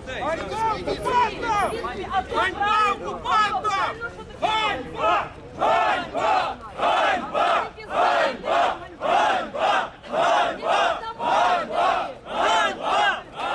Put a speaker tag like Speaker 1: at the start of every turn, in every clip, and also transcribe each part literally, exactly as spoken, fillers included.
Speaker 1: людей.
Speaker 2: Ганьба окупантам! Ганьба окупантам! Ганьба! Ганьба! Ганьба! Ганьба! Ганьба! Ганьба! Ганьба!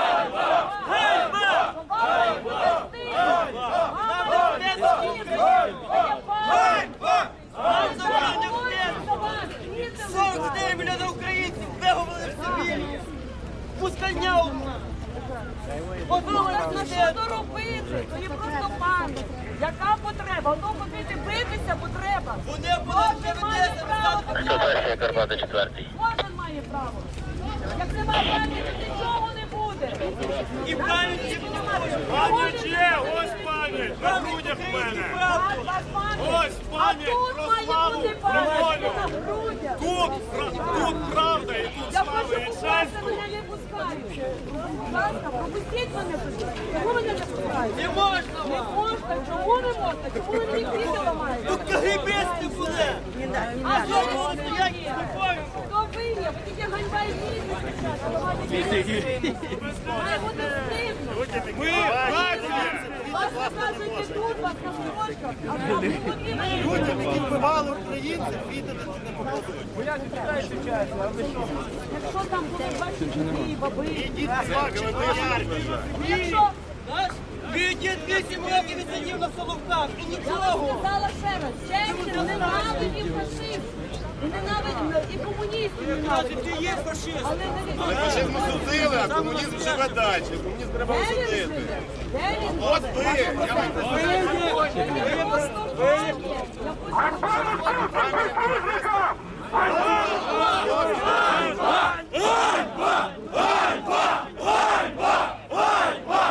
Speaker 1: сорок чотири мільйони українців виговорили в Сибірі. Пускальня одна.
Speaker 3: Подумайте, що робити? То є просто пам'ять. Яка потреба? Воно ходити битися потреба.
Speaker 1: Вони будуть
Speaker 3: Кожен має право.
Speaker 4: Ситуація Карпати четвертий.
Speaker 3: Кожен має право. Як немає пам'яті, нічого не буде.
Speaker 1: І пам'ять
Speaker 2: Пам'ять є, ось пам'ять, на грудях в мене. Ось пам'ять про славу, про волю. Тут, тут правда і тут
Speaker 3: Я
Speaker 2: слава
Speaker 3: хочу
Speaker 2: і
Speaker 3: купатися,
Speaker 2: честь.
Speaker 3: мене не пускають. Будь ласка, пропустіть мене туди. Чому мене не пускають?
Speaker 1: не можна
Speaker 3: Не
Speaker 1: вам.
Speaker 3: можна. Чому не можна? Чому ви мені квіти ламаєте?
Speaker 1: Тут кагибисти були.
Speaker 3: А що ви
Speaker 1: вони
Speaker 3: тут
Speaker 1: стоять
Speaker 3: є?
Speaker 1: спокійно.
Speaker 3: Хто ви є? Ви тільки ганьба і бізнес. Має бути стидно.
Speaker 2: Ми нація!
Speaker 3: Вас показують тут, вас на строчках, а там не потрібно.
Speaker 1: Людям, які вбивали українців, віддати не показують.
Speaker 3: Якщо там будуть ваші діти, баби,
Speaker 1: Ідіть плачете.
Speaker 3: якщо...
Speaker 1: Наш Віддід вісім років відсидів на Соловках. І
Speaker 3: Я вам
Speaker 1: нічого.
Speaker 3: сказала ще раз, чехи ненавидів фашистів, і ненавидів, і комуністів ненавидів.
Speaker 1: Ти є фашист.
Speaker 3: Але не від
Speaker 5: Фашизм судили, а комунізм живе далі. Комунізм треба
Speaker 3: Де він
Speaker 5: осудити.
Speaker 3: живе? Де він
Speaker 5: От ви, я вам
Speaker 3: живе? Я просто пам'ять. Я хочу...